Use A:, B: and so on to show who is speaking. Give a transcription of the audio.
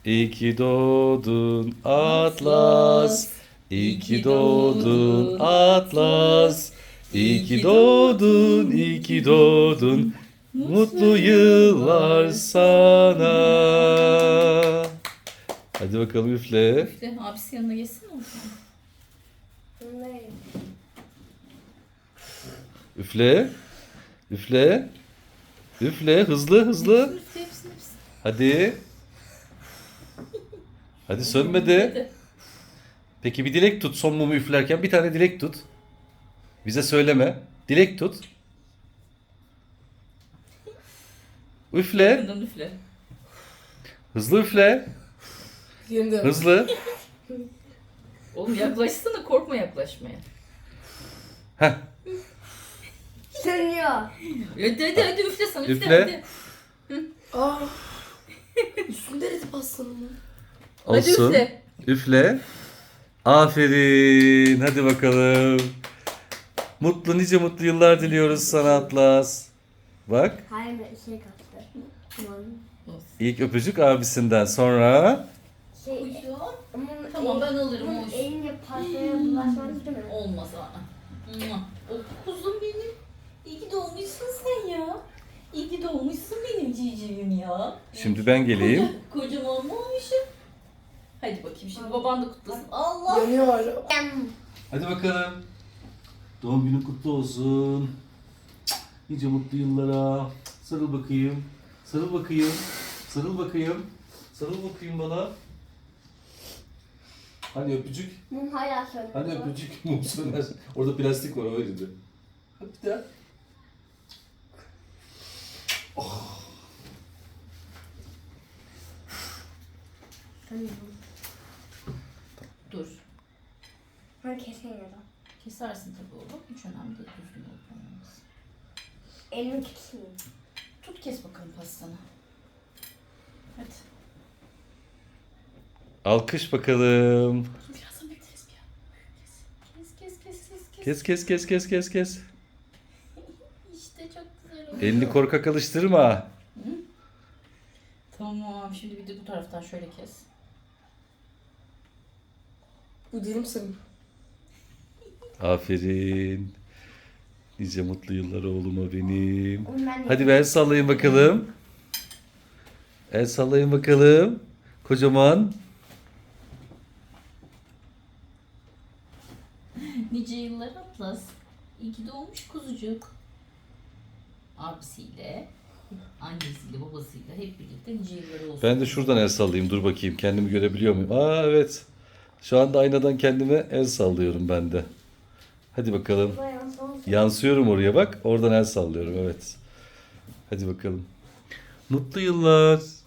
A: İyi ki doğdun Atlas. İyi ki doğdun Atlas. İyi ki doğdun, iyi ki doğdun. Mutlu yıllar sana. Hadi bakalım üfle.
B: İşte abisi yanına geçsin o zaman.
C: Ne?
A: Üfle. Üfle. Üfle. Hızlı hızlı.
B: Hepsini.
A: Hadi. Hadi sönmedi.
B: Hadi.
A: Peki bir dilek tut son mumu üflerken. Bir tane dilek tut. Bize söyleme. Dilek tut. Üfle.
B: Yakından üfle.
A: Hızlı üfle.
C: Şimdi.
A: Hızlı.
B: Oğlum yaklaşsana, korkma yaklaşmaya.
A: Heh.
C: Sönüyor.
B: Hadi üfle sana üfle,
A: Üfle.
B: hadi.
C: Aa. Üstünde eridi pastanın.
B: Hadi
A: Olsun.
B: üfle.
A: Üfle. Aferin. Hadi bakalım. Nice mutlu yıllar diliyoruz sana Atlas. Bak.
C: Hayır şey kaçtı. Tamam.
B: Olsun.
A: İlk öpücük abisinden sonra.
C: Şey,
B: Kuşum.
C: onun
B: Tamam, ben alırım,
C: onun
B: hoş.
C: elinle pastaya bulaşmaz değil mi?
B: Olmaz ha. O kuzum benim. İyi ki doğmuşsun sen ya. İyi ki doğmuşsun benim civcivim ya.
A: Şimdi ben geleyim.
B: Kocaman mı olmuşum? Hadi bakayım şimdi baban da kutlasın. Allah.
C: Yanıyor.
A: Hadi bakalım. Doğum günün kutlu olsun. Nice mutlu yıllara. Sarıl bakayım. Sarıl bakayım. Sarıl bakayım. Sarıl bakayım bana. Hani öpücük?
C: Mum hala sönüyor.
A: Hani öpücük mum söner. Orada plastik var öyle de. Hadi bir daha.
C: Sönüyor.
B: Dur.
C: Ben keseyim ya da.
B: Kesersin tabii oğlum. Hiç önemli değil. Düzgün olup olmaması.
C: Elimi keseyim.
B: Tut kes bakalım pastanı. Hadi.
A: Alkış bakalım.
B: Birazdan bekleriz bir ya. Kes.
A: Kes.
B: İşte çok güzel oldu.
A: Elini korkak alıştırma.
B: Tamam. Şimdi bir de bu taraftan şöyle kes.
C: Bu dilim senin.
A: Aferin. Nice mutlu yıllar oğluma benim.
C: Oğlum ben de
A: Hadi bir el sallayın bakalım. El sallayın bakalım. Kocaman.
B: Nice yıllar Atlas. İyi ki doğmuş kuzucuk. Abisiyle, annesiyle, babasıyla hep birlikte nice yılları olsun.
A: Ben de şuradan el sallayayım. Dur bakayım kendimi görebiliyor muyum? Aa evet. Şu anda aynadan kendime el sallıyorum ben de. Hadi bakalım.
C: bayağı son.
A: Yansıyorum oraya bak. Oradan el sallıyorum evet. Hadi bakalım. Mutlu yıllar.